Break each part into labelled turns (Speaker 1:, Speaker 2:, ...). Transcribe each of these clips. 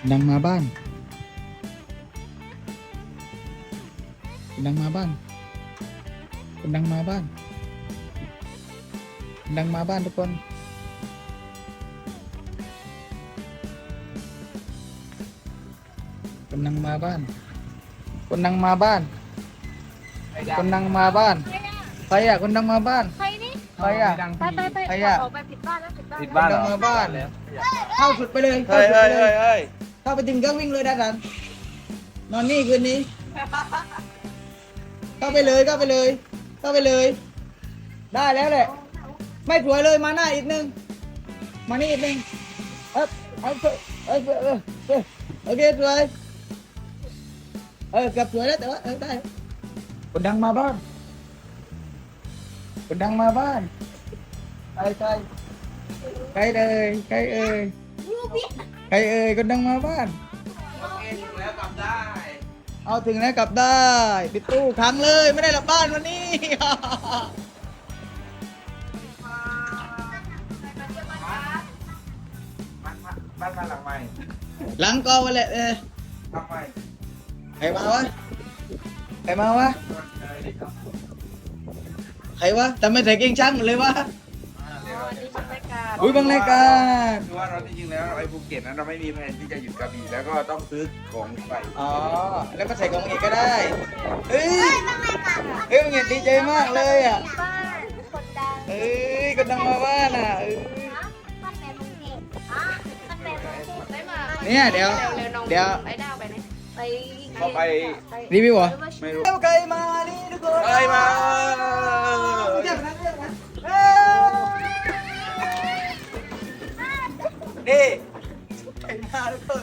Speaker 1: ดังมาบ้านดังมาบ้านดังมาบ้านดังมาบ้านทุกคนคนดังมาบ้านคนดังมาบ้านคนดังมาบ้านใครอะคนดังมาบ้าน
Speaker 2: ใครนี่
Speaker 1: ใครอะ
Speaker 2: ไปไปไป
Speaker 1: ใครอะ
Speaker 2: ออกไปผิดบ้านแล้วผิดบ้าน
Speaker 3: ผิดบ้าน
Speaker 1: คนดังมาบ้านเข้าสุดไปเลย
Speaker 3: เฮ้ยเฮ้ยเฮ้ยเฮ้ย
Speaker 1: เข้าไปถึงก็วิ่งเลยด้านหลังนอนนี่คืนนี้ เข้าไปเลยเข้าไปเลยเข้าไปเลย ได้แล้วแหละ ไม่สวยเลยมาหน้าอีกนึงมานี่อีกนึงเอาโอเคสวยเกือบสวยแล้วแต่ว่าได้คนดังมาบ้านคนดังมาบ้านใครใครเลยใครเอ่ยใครเอ่ยคนดังมาบ้าน
Speaker 3: ถึงแล้วกลับได้
Speaker 1: เอาถึงแล้วกลับได้ปิดตู้ค้างเลยไม่ได้กลับบ้านวันนี้
Speaker 3: บ้านหลังใหม่
Speaker 1: หลังกองไปเลย
Speaker 3: หลังใหม่
Speaker 1: ใครมาวะใครมาวะใครวะทำไมใส่เกงช้างหมดเลยวะ
Speaker 2: วันนี้บรรยากาศ
Speaker 1: อุ้ยบางรายการ
Speaker 3: คือว่าเราจริงๆแล้วไอ้ภูเก็ตนั้นเราไม่มีแผนที่จะหยุดกระบี่แล้วก็ต้องซื้อของไป
Speaker 1: อ๋อแล้วก็ใส่กองเอกก็ได้เฮ้ยเฮ้ยมึงเห็นดีใจมากเลยอ่ะ
Speaker 2: บ้านคนดัง
Speaker 1: เฮ้ยคนดังมาบ้านอ่ะ
Speaker 2: บ้านแม่ลุงเอกบ้านแม่ลุงเอกได้มา
Speaker 1: เนี่ยเดี๋ยว
Speaker 2: ไปดาวไปไหนไป
Speaker 3: ก็ไป
Speaker 1: รีวิวเหรอ
Speaker 3: ไม่รู้
Speaker 1: เจ้าไก่มานี่ทุกคน
Speaker 3: อะไรมา
Speaker 1: เรียกนะนี่ไก่มาทุกคน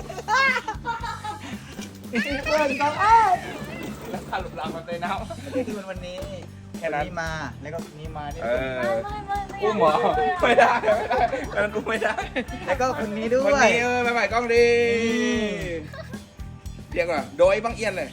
Speaker 1: เพื่อนกัน
Speaker 3: แล้วพาลุกลามมาเตยน้ำ
Speaker 1: นี่คือวันนี้
Speaker 3: แค่นั้น
Speaker 1: นี้มาแล้วก็นี้มานี่
Speaker 3: อุ้มเหรอไม่ได้ไม่ได้มันอุ้มไม่ได้
Speaker 1: แล้วก็คนนี้ด้ว
Speaker 3: วัน
Speaker 1: ย
Speaker 3: นี้ไปใหม่กล้องดีเรียกว่าโดยบังเอียนเลย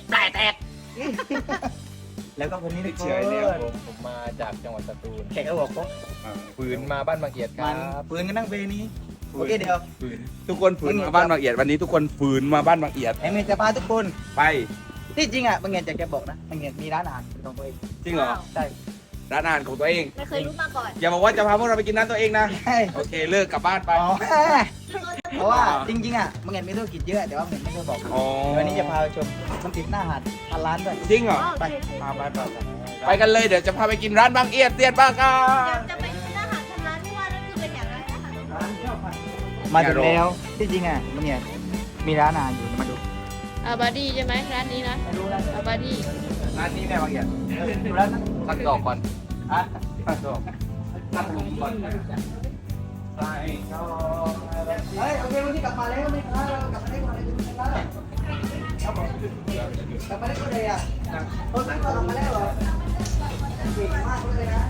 Speaker 1: แล้วก็คนนี้ทุกค
Speaker 3: เฉยๆเนี่ย
Speaker 1: น
Speaker 4: ผมมาจากจังหวัดสตูล
Speaker 1: แขกก็บอกว่า
Speaker 4: ฝืนมาบ้านบางเอียดค
Speaker 1: มั
Speaker 4: รั
Speaker 1: น
Speaker 4: บ
Speaker 1: ปืนกันนั่งเบนี้โอเคเดี๋ยว
Speaker 3: ทุกคนฝืนมาบ้านบางเอียดวันนี้ทุกคนฝืนมาบ้านบางเอียด
Speaker 1: ไอ้เมย์จะพาทุกคน
Speaker 3: ไป
Speaker 1: ที่จริงอ่ะบางเงียนจะแกบอกนะบางเงียนมีร้านอาหารเป็นของตัวเอง
Speaker 3: จริงเหรอ
Speaker 1: ใช่
Speaker 3: ร้านอาหารของตัวเอง
Speaker 2: ไม่เคยรู้มาก่อน
Speaker 3: อย่าบอกว่าจะพาพวกเราไปกินร้านตัวเองนะ
Speaker 1: ใช่
Speaker 3: โอเคเลิกกลับบ้านไป
Speaker 1: อ๋อเพราะว่าจริงๆอ่ะบางเงียนมีธุรกิจเยอะแต่ว่าบางเงียนไม่เคยบอก
Speaker 3: อ๋อ
Speaker 1: วันนี้จะพาไปชมมันติดหน้าหาดพันล้านด้วย
Speaker 3: จริงเหรอ
Speaker 2: โอเค
Speaker 3: มาไปกันเลยเดี๋ยวจะพาไปกินร้านบางเอียดเตียนบ้างกั
Speaker 2: เดี๋ยวน จะไปกินอาหารทางร้านที่ว่านั่นคือเป็นอย่างไรนะคะ
Speaker 1: มาถึงแล้วที่จริงอ่ะบางเงียนมีร้านอาหารอยู่มาดู
Speaker 2: อาบาดี้ใช่ไหมร้านนี้นะ
Speaker 1: ไม่รู้ร้าน
Speaker 2: อาบาดี้
Speaker 3: ร้านนี้แน่บางเอียด
Speaker 1: ดูร้านนั้น
Speaker 4: ตั้งดอกก่อน
Speaker 1: อ่ะ
Speaker 3: ตั้งดอกตั้งผมก่อนใส่ดอก
Speaker 1: เฮ้ยโอเควันนี้กลับมาแล้วไม่ค้าเรากลับมาได้ก่อนเลยครับผมกลับมาได้ก่อนเลยอ่ะต้นนั้นก็กลับมาแล้วเหรอเก่งมากเลยนะ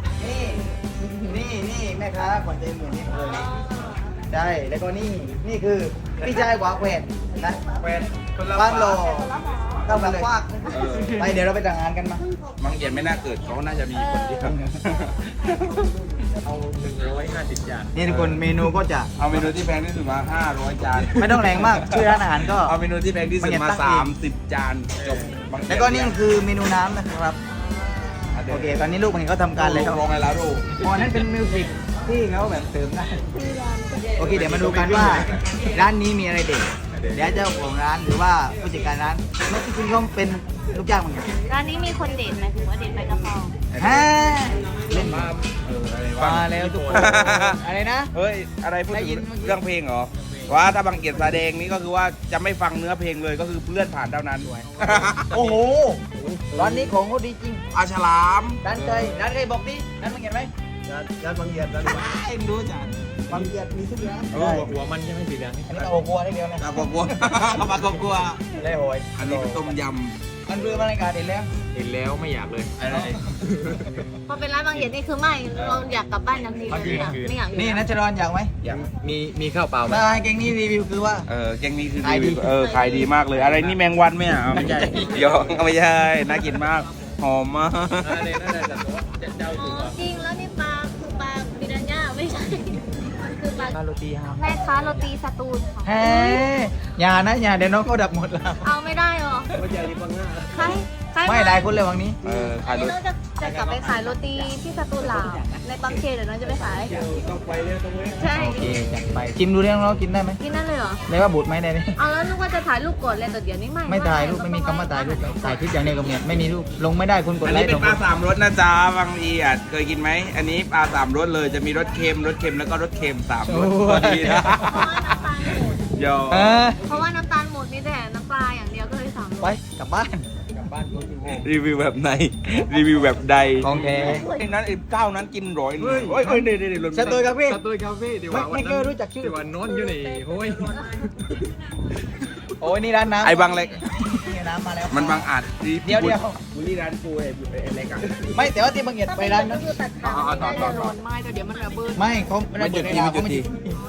Speaker 1: นี่แม่ค้าขวัญใจเหมือนนี่เลยใช่แล้วก็นี่คือพี่ชายหวาแขวนนะ
Speaker 3: แฟนคนละ
Speaker 1: บ้านโล
Speaker 3: บ้าน
Speaker 1: เข้ามาเลยไปเดี๋ยวเราไปแต่งงานกันมา
Speaker 3: บางเอียดไม่น่าเกิดเขาน่าจะมีคนเดียว
Speaker 4: เอา150 จาน
Speaker 1: นี่ทุกคนเมนูก็จะ
Speaker 3: เอาเมนูที่แพงที่สุดมา500จาน
Speaker 1: ไม่ต้องแรงมากชื่อร้านอาหารก็
Speaker 3: เอาเมนูที่แพงที่สุด
Speaker 1: บางเอียด
Speaker 3: มา
Speaker 1: ตั้งเอง
Speaker 3: 30จานจบ
Speaker 1: แล้วก็นี่คือเมนูน้ำนะครับโอเคตอนนี้ลูกมันเขาทำการเลยครับ
Speaker 3: ลงไงแล้วดู
Speaker 1: อ๋อนั่นเป็นมิวสิกที่เขาแบบเติมได้โอเคเดี๋ยวมาดูกันว่าร้านนี้มีอะไรเด็ดเดี๋ยวเจ้าของร้านหรือว่าผู้จัดการร้านไม่ที่จริงเขาเป็นลูกจ้างเหมือนกัน
Speaker 2: ร้านนี้มีคนเด่นหมายถึงว่าเด่นไปกระเพรา
Speaker 1: ฮะเล่น
Speaker 3: มาอะไรวะ
Speaker 1: มาแล้วทุกคนอะไรนะ
Speaker 3: เฮ้ยอะไรพูด
Speaker 1: ได้ยิ
Speaker 3: ถึ
Speaker 1: น
Speaker 3: ง
Speaker 1: เมื่อกี้
Speaker 3: เรื่องเพลงเหรอว่าถ้าบางเกียรติแสดงนี่ก็คือว่าจะไม่ฟังเนื้อเพลงเลยก็คือเลื่อนผ่านเท่านั้น
Speaker 1: โอ้โหร้านนี้ของเขาดีจริง
Speaker 3: อาฉลาม
Speaker 1: ร้านเคยบอกดิร้านมึงเห็นไหม
Speaker 4: ร้านบางเอียดร้าน
Speaker 1: ไอ้มึงรู้จักบางเกียรติมีทุกร้าน
Speaker 4: หัวมันใช่ไหมสีเหลืองนี่
Speaker 1: อันนี้ก็โอ้โหได้เดียวนะ
Speaker 3: ตากลัวเอามากลัว
Speaker 1: ได้โหย
Speaker 3: อันนี้เป็นต้มย
Speaker 1: มันเรือมารายการเห็นแล้ว
Speaker 4: เห็นแล้วไม่อยากเลย
Speaker 3: ำอะไร
Speaker 2: พอเป็นร้านบางเหียนนี่คือไม่เราอยากกลับบ้านทันทีเลยไม่อยากอยู่
Speaker 1: นี่นัชรอนอยากไหม
Speaker 4: มีข้าวเปล่าไหม
Speaker 1: ถ้าให้เก่งนี่รีวิวคือว่า
Speaker 3: แกงนี้คือ
Speaker 1: ขายดี
Speaker 3: ขายดีมากเลยอะไรนี่แมงวันไหมอ่ะไม่ใช่ยองไม่ใช่น่ากินมากหอมมาก
Speaker 4: เนี่ยน่าจะเจ้า
Speaker 2: อ๋
Speaker 4: ถึ
Speaker 2: อง จริงแล้วนี่ปลาคือปลาบิรันย่าไม่ใช่มันคือปลา
Speaker 1: าโรตีฮาว
Speaker 2: แม่ค้าโรตีสตูลค่ะ
Speaker 1: เฮ้ยอย่านะอย่าเดี๋ยวน้องเขาดับหมดแล้ว
Speaker 2: เอาไม่ได้หรอ
Speaker 4: ไม่ใช่ที่บังหน้า
Speaker 2: ใครใคร
Speaker 1: ไม่ได้คนเลยวังนี้
Speaker 3: ขายรถ
Speaker 2: น้องจะกลับไปขายโรตีที่สตูลเหลาในบางเขนเดี๋ยวน้องจะไปขาย
Speaker 4: ต้องไปเลยต้องเว้ย
Speaker 2: ใช่
Speaker 1: โอเคจัดไปชิมดูได้น้องกินได้ไหม
Speaker 2: กินนั่นเลยเหรอ
Speaker 1: ได้ว่าบูดไหมได้ไหม
Speaker 2: เอาแล้วนึกว่าจะถ่ายรูปก่อนเลยแต่เดี๋ยวนี้ไม่
Speaker 1: ไม่ถ่ายรูปไม่มีคำว่าถ่ายรูปถ่ายคลิปอย่างเดียวกับเนี่ยไม่มีรูปลงไม่ได้คุณกด
Speaker 3: อัน
Speaker 1: ไล
Speaker 3: นี้
Speaker 1: ค์
Speaker 3: เป็
Speaker 1: ตร
Speaker 3: น
Speaker 1: ง
Speaker 3: ปลาสามรสนะจ๊ะบางทีอ่ะเคยกินไหมอันนี้ปลาสามรสเลยจะมีรสเค็มแล้วก็รสเค็มสามรสพอดีนะ
Speaker 2: เพราะว่าน้ำตาลหมด
Speaker 3: โย
Speaker 1: เออ
Speaker 2: เพราะว่าน้ำตาลหมดมีแต่น้ำปลาอย่างเดียวก็เลยสั่ง
Speaker 1: ไปกลับบ้าน
Speaker 4: กลับบ้านโดนอยู่โง่
Speaker 3: รีวิวแบบไหนรีวิวแบบใด
Speaker 1: ของแท้
Speaker 3: ไอ้นั้นไอ้เก้านั้นกินร้อยเฮ้ยนี่
Speaker 1: สตูดิโอครับพี่
Speaker 4: สตูดิโอคาเฟ่ที่ว่า
Speaker 1: ไม่เคยรู้จักชื่อ
Speaker 4: ที่ว่านอนอยู่นี่โอ้ย
Speaker 1: โอ้ยนี่ร้านน้ำ
Speaker 3: ไอ้บางเล็ก
Speaker 1: นี่น้ำมาแล้ว
Speaker 3: มันบางอาจ
Speaker 1: เดี๋ยว
Speaker 3: บุรีร้านกูไอ้เล็กอ่ะ
Speaker 1: ไม่แต่ว่าที่บางเหียดไปร้านนั้น
Speaker 2: คือตัดขาไม่ได้จะโดนไม้แต่เดี๋ยวมันระเบิด
Speaker 1: ไม่เขาไม่ได้เปิดเวลาเขาไม่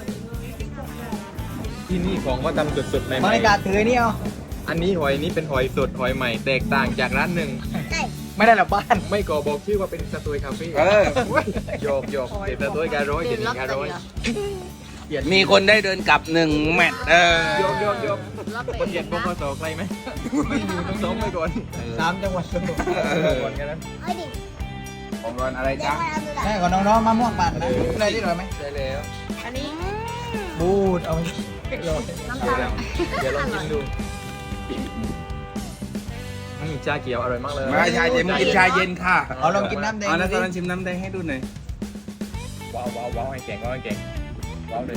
Speaker 4: ที่นี่ของก็ทำสดๆใหม่
Speaker 1: บรรยากาศถือนี่เอา
Speaker 4: อันนี้หอยนี้เป็นหอยสดหอยใหม่แตกต่างจากร้านหนึ่ง
Speaker 1: ไม่ได้หลับบ้าน
Speaker 4: ไม่ก่อบอกชื่อว่าเป็นสตูดิโอคาเฟ่ โยกเดี๋ยวสตูดิโอการ้อย
Speaker 2: ดื่
Speaker 4: เดี๋ยว
Speaker 2: มรอบ
Speaker 4: การ
Speaker 2: เตะ
Speaker 4: ร้อย
Speaker 3: มีคนได้เดินกลับ1 แมตช์
Speaker 4: โยก
Speaker 2: รอบเตะ
Speaker 4: คนเหยียดบกสใครไหมไม่อยู่ต้องซ้อมไปก่อน
Speaker 1: 3 จังหวัดสมุทร
Speaker 4: ก่อนแค่นั้น
Speaker 3: ของรอนอะไรจ๊ะ
Speaker 1: ใช่ของน้องๆมะม่วงปั่นนะอะไรที่อร่อยไหม
Speaker 4: ได้แล้ว
Speaker 2: อันนี้
Speaker 1: บูดเอา
Speaker 2: น้ำตาล
Speaker 4: เดี๋ยวลองกินดูชาเขียวอร่อยมากเลย
Speaker 3: ไม่ชาเย็นมึงกินชาเย็นค่ะ
Speaker 1: เอาลองกินน้ำแดง
Speaker 3: เอาแล้วต
Speaker 1: ดู
Speaker 3: อนนั้น
Speaker 1: ดิ
Speaker 3: ชิมน้ำแดงให้ดูหน่อย
Speaker 4: ว้าวให้เก่งว้าวเลย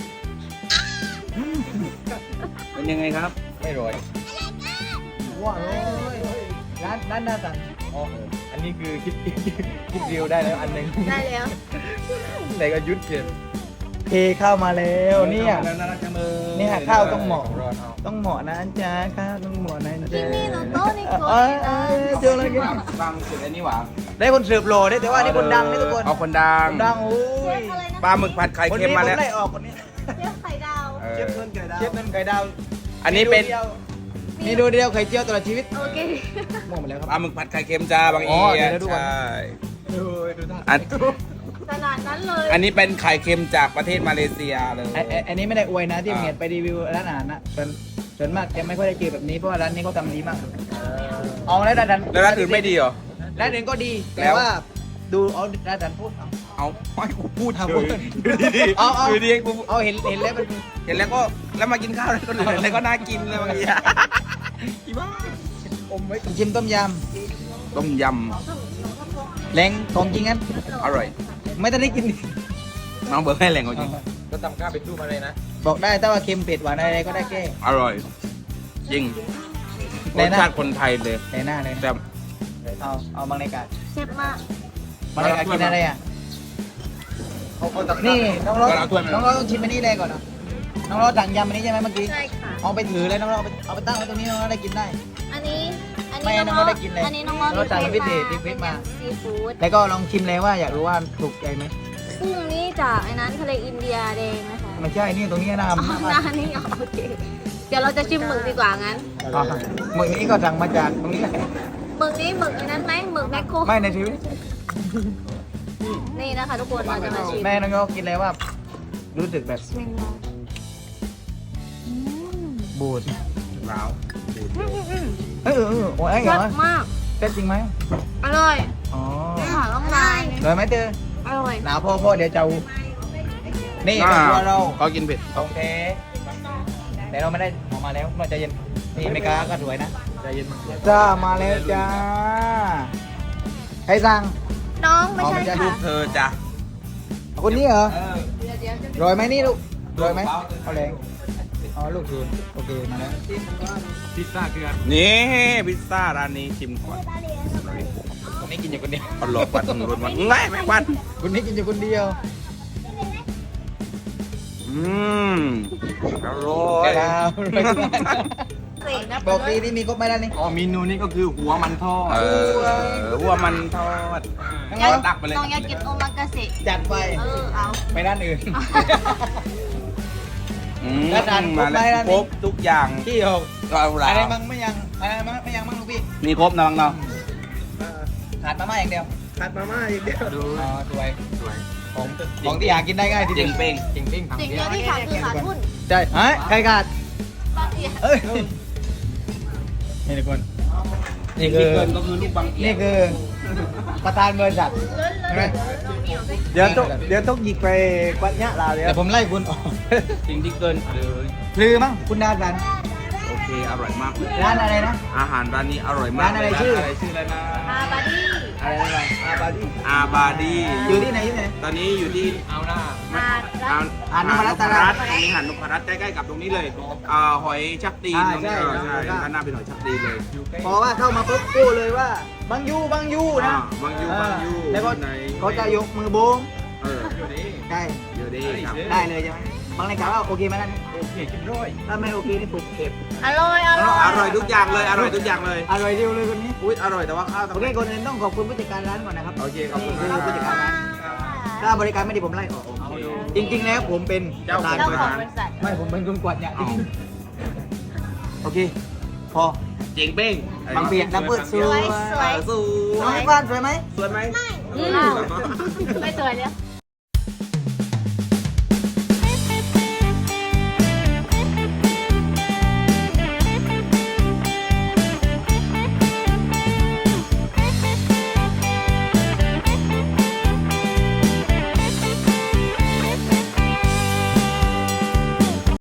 Speaker 3: เป็นยังไงครับ
Speaker 4: ไม่รวย
Speaker 1: ว้าวเลยร้านหน้าสั่ง
Speaker 4: อ๋ออันนี้คือคิดวิวได้แล้วอันหนึ่ง
Speaker 2: ได้แล้ว
Speaker 4: ไหนก็ยุดเกิน
Speaker 1: เทข้าวมาแล้วเนี่ย
Speaker 3: น่ารักจังเลย
Speaker 1: เนี่ยข้าวต้องเหมาะ
Speaker 4: รอนเอา
Speaker 1: ต้องเหมาะนะจ๊ะข้าวต้องเหมาะนะจ๊ะ
Speaker 2: นี่หนูโต๊ะนี่โก
Speaker 1: เออเจออะไรกัน
Speaker 3: บางสุดอันนี้หวาน
Speaker 1: ได้คนสืบโหล่ได้แต่ว่านี่คนดังนี่ทุกคน
Speaker 3: เอาคนดัง
Speaker 1: คนดังโอ้ย
Speaker 3: ปลาหมึกผัดไข่
Speaker 1: คน
Speaker 3: เค็ม
Speaker 1: นี้
Speaker 3: มา
Speaker 1: ผ
Speaker 3: แล้ว
Speaker 1: มไล่ออกคนนี้
Speaker 2: เรียกไข่ดาว
Speaker 3: เออ
Speaker 1: เชฟเงินไก่ดาวเชฟเงินไก่ดาว
Speaker 3: อันนี้เป็น
Speaker 1: เมนูเดียวไข่เจียวตลอดชีวิต
Speaker 2: โอเค
Speaker 1: ม่วงหมดแล้วค
Speaker 3: ปลา
Speaker 1: รับ
Speaker 3: หมึกผัดไข่เค็มจ้าบาง
Speaker 1: อ๋
Speaker 3: อี
Speaker 1: อเดี๋ยวดูก่อน
Speaker 3: ใช่
Speaker 4: ดูท่า
Speaker 3: อัน
Speaker 2: ขนาดนั้นเลย
Speaker 3: อันนี้เป็นไข่เค็มจากประเทศมาเลเซียเลย
Speaker 1: อันนี้ไม่ได้อวยนะที่เมียไปรีวิวร้านอาหารนะส่วนมากจะไม่ค่อยได้เจอแบบนี้เพราะว่าร้านนี้เขาทำดีมากเอาแล้วร้าน
Speaker 3: แล้วร้านอื่นไม่ดีเหรอ
Speaker 1: ร้านอื่นก็ดี
Speaker 3: แล้
Speaker 1: แต่
Speaker 3: ว
Speaker 1: ว่าดูเอาร้านดันพูดเอา
Speaker 3: เอาไม่กูพูด
Speaker 1: เอา
Speaker 3: เฉ
Speaker 1: พูด
Speaker 3: ยดูดี
Speaker 1: เอาเอา
Speaker 3: ดูดีกู
Speaker 1: เอาเห็นแล้วมัน
Speaker 3: เห็นแล้วก็แล้วมากินข้าวแล้วก็เหลือแล้วก็น่ากินเลยบางทีอีบ้า
Speaker 1: อมไว้ชิมต้มย
Speaker 3: ต้มย
Speaker 1: ำแรงของจริงงั้น
Speaker 3: ำอร่อย
Speaker 1: ไม่ต้องได้กิน
Speaker 3: น้องเบิร์ดให้แหล่งเอาจริง
Speaker 4: ก็ทำข้าวเป็นตู้มาเลยนะ
Speaker 1: บอกได้ถ้าว่าเค็มเผ็ดหวานอะไรก็ได้แก้
Speaker 3: อร่อย จริงร
Speaker 1: แน่
Speaker 3: ส
Speaker 1: นะ
Speaker 3: ชาติคนไทยเลย
Speaker 1: ในหน้าเลย
Speaker 3: แต่
Speaker 1: เอาบางรายการ
Speaker 2: เชฟมาก
Speaker 1: บางรายการกินอะไรอ่ะนี่น้องร้องน้องร้องต้องชิมอันนี้เลยก่อนนะน้องร้องสั่งยำอันนี้ใช่ไหมเมื่อกี้
Speaker 2: ใช่ค่ะ
Speaker 1: เอาไปถือเลยน้องร้องเอาไปตั้งไว้ตรงนี้น้องร้องได้กินได้
Speaker 2: อันนี้
Speaker 1: ไม่
Speaker 2: น้
Speaker 1: น้องได้กินเลย
Speaker 2: อันนี้น้องมอส
Speaker 1: เราสั่งพิเศษรีเควสมา
Speaker 2: ซีฟู้ด
Speaker 1: แล้วก็ลองชิมเลยว่าอยากรู้ว่าถูกใจไหม
Speaker 2: กุ้งนี่จากไอ้นั้นทะเลอินเดียแดงนะคะ
Speaker 1: ไม่ใช่นี่ตรงนี้นะ
Speaker 2: อ๋อหน้านี่อ๋อโอเค เดี๋ยวเราจะชิมหมึกดีกว่างั้น
Speaker 1: หมึกนี้ก็สั่งมาจากตรงนี้แหละ
Speaker 2: หมึกนี้หมึกไอ้นั้นไหมหมึกแมคโคร
Speaker 1: ไม่ในชีวิต
Speaker 2: นี่นะคะทุกคนเราจะมาชิม
Speaker 1: แม่น้องโยกินเลยว่า รู้สึกแบบ
Speaker 2: เมนูอืม
Speaker 1: บูด
Speaker 3: ว้าว
Speaker 1: โอ้ยเหร
Speaker 2: แซ่
Speaker 1: อบ
Speaker 2: มาก
Speaker 1: เต้นจริงไหม
Speaker 2: อร่อย
Speaker 1: อ๋อ
Speaker 2: ไม่หาต้องลาย
Speaker 1: เลยไหมเตอ
Speaker 2: อร่อย
Speaker 1: หนาวพ่อเดี๋ยวจะนี่เป็นตัวเรา
Speaker 3: เขากินเผ็ด
Speaker 1: โอเคแต่เราไม่ได้ออกมาแล้วเราจะเย็นนี่เมกาก็สวยนะ
Speaker 4: ใจเย็นมาก
Speaker 1: จ้ามาแล้วจ้าใครสั่ง
Speaker 2: น้องไม่ใช่
Speaker 1: อ๋อไม่ใช่
Speaker 2: ค่ะ
Speaker 3: เธอจ้ะ
Speaker 1: คนนี้เหรอ
Speaker 3: เออ
Speaker 1: รอยไหมนี่ลูกรอยไหมเอาแรงอ๋อลูกคืนโอเคมาแล้ว
Speaker 4: พิซซ่าคืออะไร
Speaker 3: นี่พิซซ่าร้านนี้ชิมก่อน
Speaker 1: คนนี้กินอยู่คนเดียว
Speaker 3: อร่อยกว่าตำรวจมันง่ายไหมวัน
Speaker 1: คนนี้กินอยู่คนเดียว
Speaker 3: อืมอร่อย
Speaker 1: ดาว
Speaker 2: เสกนะ
Speaker 1: บอกดีที่มีครบไหมล่ะนี่
Speaker 4: อ๋อเมนูนี้ก็คือหัวมันทอด
Speaker 3: วัวมันทอด
Speaker 2: อยาก
Speaker 3: ตักไปเลย
Speaker 2: น้องอยากกินโอมากาเสะ
Speaker 1: จัดไป
Speaker 2: เอา
Speaker 1: ไปด้านอื่น
Speaker 3: อืม
Speaker 1: แล้วทานครบไหมร้านนี้
Speaker 3: ครบทุกอย่าง
Speaker 1: ที่หก
Speaker 3: ก็เอาละ
Speaker 1: อะไรมั่งไม่ยังอะไรมั่งไม่ยังมั่งลูกพี่
Speaker 3: มีครบนะบังเนาะ
Speaker 1: ขาดมาม่าอย่างเดียว
Speaker 4: ผัดมาม่าอีกเดียวดู
Speaker 1: อ๋อสวย
Speaker 4: สวย
Speaker 1: ของที่หากินได้ง่ายที
Speaker 3: เจ๋
Speaker 1: เดี
Speaker 3: ง
Speaker 1: ยว
Speaker 3: เป้ง
Speaker 4: จริงๆ
Speaker 2: สิ่งเดียวที่ขาดคือขาดทุน
Speaker 1: ใช่ฮะใครขาด
Speaker 2: บางที
Speaker 1: เอ้ยนี่ทุกคนนี่คื
Speaker 3: ที่
Speaker 1: อ
Speaker 3: เกินก็คือลูกบางเกีย
Speaker 1: นี่คือประธานบริษัทใช่ไหม
Speaker 4: เดี๋ยวต้องหยิกไปกวัดเนี้ยเราเดี๋ยว
Speaker 1: แต่ผมไล่คุณออก
Speaker 3: สิ่งที่เกินเลย
Speaker 1: พลือมั้งคุณดาสัน
Speaker 3: โอเคอร่อยมากเลย
Speaker 1: ร้านอะไรนะ
Speaker 3: อาหารร้านนี้อร่อยมาก
Speaker 1: ร้านอะไรชื่อ
Speaker 3: ชื่ออะไรนะ
Speaker 2: อาบาดี้
Speaker 1: อะไรนะอาบาดี
Speaker 3: อาบาดี
Speaker 1: อยู่ที่ไหนที่ไหน
Speaker 3: ตอนนี้อยู่ที่
Speaker 4: เอาหน้า
Speaker 2: อา
Speaker 1: หาดนพรัตน์ตลาด
Speaker 3: ตรงนี้หาดนพรัตน์ใกล้ๆกับตรงนี้เลยหอยชักตีนตรงนี้
Speaker 1: ใช่
Speaker 3: ใช่ด้านหน้าเป็นหอยชักตีนเลย
Speaker 1: พอว่าเข้ามาปุ๊บกู้เลยว่าบางยูบางยูนะ
Speaker 3: บางยูบางยู
Speaker 1: แล้วก็
Speaker 3: ไหน
Speaker 1: เขาจะยกมือโบง
Speaker 3: เออ
Speaker 1: ใช่
Speaker 3: อยู่ดีครับ
Speaker 1: ได้เลยใช่ไหมบางรายการว่าโอเคไหมนั่น
Speaker 4: โอเคกินร้อย
Speaker 1: ถ้าไม่โอเคนี่ผมเก็บ
Speaker 2: อร่อยอร่อย
Speaker 3: อร่อยทุกอย่างเลยอร่อยทุกอย่างเลย
Speaker 1: อร่อยเดียวเลยคนนี้
Speaker 3: อุ้ยอร่อยแต่ว่าข้าว
Speaker 1: โอเคคนอื่นต้องขอบคุณผู้จัดการร้านก่อนนะครับ
Speaker 3: โอเคขอบคุณ
Speaker 1: นี่
Speaker 3: ครั
Speaker 1: คื
Speaker 3: บ
Speaker 1: อผู้จัดการร้านถ้าบริการไม่ดีผมไล่ออกจริงๆแล้วผมเป็น
Speaker 3: เจ้าของ
Speaker 2: เจ้า
Speaker 1: ประ
Speaker 2: ข
Speaker 1: ธา
Speaker 2: อน งบริษัท
Speaker 1: ไม่ผมเป็นคนกวาดเนี่ย
Speaker 3: อ๋อ
Speaker 1: โอเคพอ
Speaker 3: เจ๋งเป้ง
Speaker 1: บางเปียกน้ำเปิดสวย
Speaker 2: สวย
Speaker 3: สว
Speaker 1: น้อง
Speaker 3: ย
Speaker 1: ที่บ้านสวยไหม
Speaker 3: สวยไหม
Speaker 2: ไม่สวยเลย